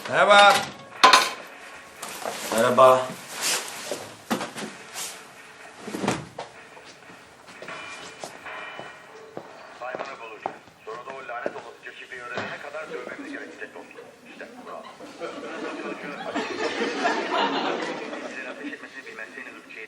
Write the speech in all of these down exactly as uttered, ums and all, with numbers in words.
Merhaba. Merhaba. Saymana bulacağız. Sonra da o lanet olasıca şifreyi öğrenene kadar dövmemiz gerekecek dostum. İşte bravo. Sizin ateş etmesini bilmezseniz ülkeyi...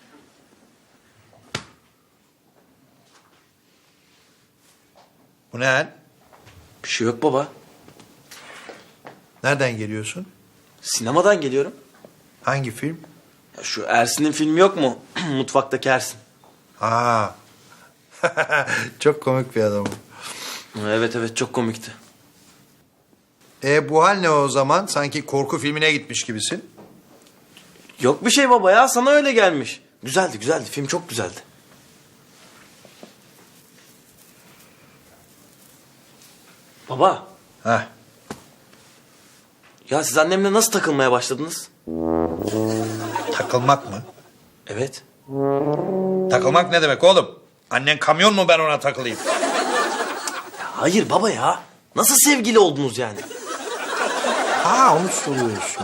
Bu ne hal? Bir şey yok baba. Nereden geliyorsun? Sinemadan geliyorum. Hangi film? Ya şu Ersin'in filmi yok mu? Mutfaktaki Ersin. Aa. Çok komik bir adam. Evet evet çok komikti. E bu hal ne o zaman? Sanki korku filmine gitmiş gibisin. Yok bir şey baba ya, sana öyle gelmiş. Güzeldi güzeldi, film çok güzeldi. Baba, Heh. ya siz annemle nasıl takılmaya başladınız? Takılmak mı? Evet. Takılmak ne demek oğlum? Annen kamyon mu ben ona takılayım? Ya hayır baba ya. Nasıl sevgili oldunuz yani? Ha onu soruyorsun.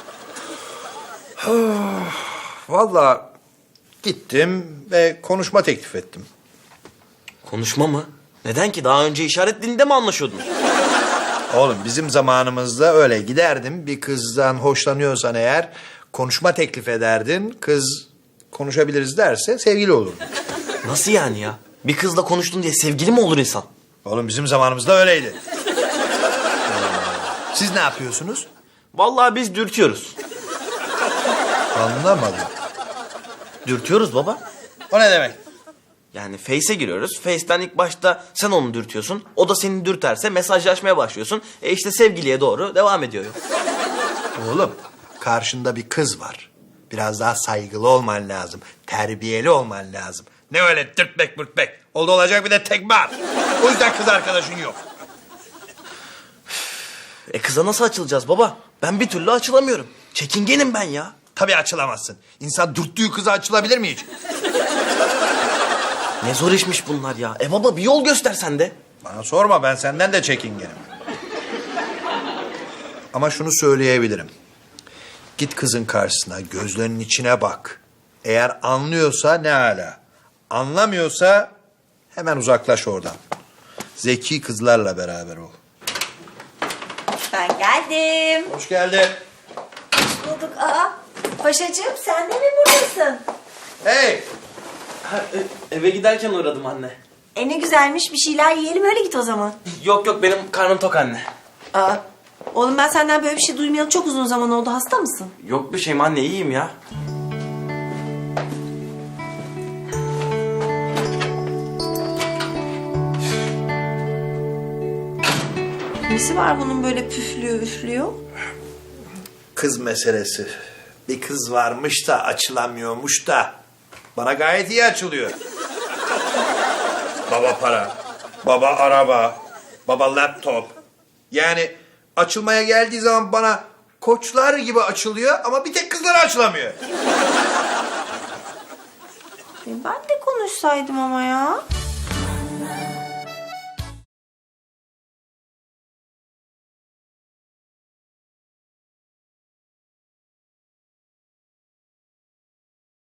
Vallahi gittim ve konuşma teklif ettim. Konuşma mı? Neden ki? Daha önce işaret dilinde mi anlaşıyordunuz? Oğlum bizim zamanımızda öyle giderdim. Bir kızdan hoşlanıyorsan eğer konuşma teklif ederdin. Kız konuşabiliriz derse sevgili olurdun. Nasıl yani ya? Bir kızla konuştun diye sevgili mi olur insan? Oğlum bizim zamanımızda öyleydi. Siz ne yapıyorsunuz? Vallahi biz dürtüyoruz. Anlamadım. Dürtüyoruz baba. O ne demek? Yani Face'e giriyoruz. Face'ten ilk başta sen onu dürtüyorsun. O da seni dürterse mesajlaşmaya başlıyorsun. E işte sevgiliye doğru devam ediyor. Oğlum karşında bir kız var. Biraz daha saygılı olman lazım. Terbiyeli olman lazım. Ne öyle dürtmek mürtmek. Oldu olacak bir de tekme at. O yüzden kız arkadaşın yok. E kıza nasıl açılacağız baba? Ben bir türlü açılamıyorum. Çekingenim ben ya. Tabii açılamazsın. İnsan dürttüğü kıza açılabilir mi hiç? Ne zor işmiş bunlar ya. E baba bir yol göster sen de. Bana sorma, ben senden de çekingenim. Ama şunu söyleyebilirim. Git kızın karşısına, gözlerinin içine bak. Eğer anlıyorsa ne âlâ. Anlamıyorsa hemen uzaklaş oradan. Zeki kızlarla beraber ol. Ben geldim. Hoş geldin. Bulduk. Aa, paşacığım sen de mi buradasın? Hey! Ha, e, eve giderken uğradım anne. E ne güzelmiş, bir şeyler yiyelim öyle git o zaman. Yok yok benim karnım tok anne. Aa, oğlum ben senden böyle bir şey duymayalı çok uzun zaman oldu. Hasta mısın? Yok bir şeyim anne, iyiyim ya. Nesi var bunun böyle püflüyor üflüyor? Kız meselesi. Bir kız varmış da açılamıyormuş da. Bana gayet iyi açılıyor. Baba para, baba araba, baba laptop. Yani açılmaya geldiği zaman bana koçlar gibi açılıyor ama bir tek kızlara açılamıyor. E ben de konuşsaydım ama ya.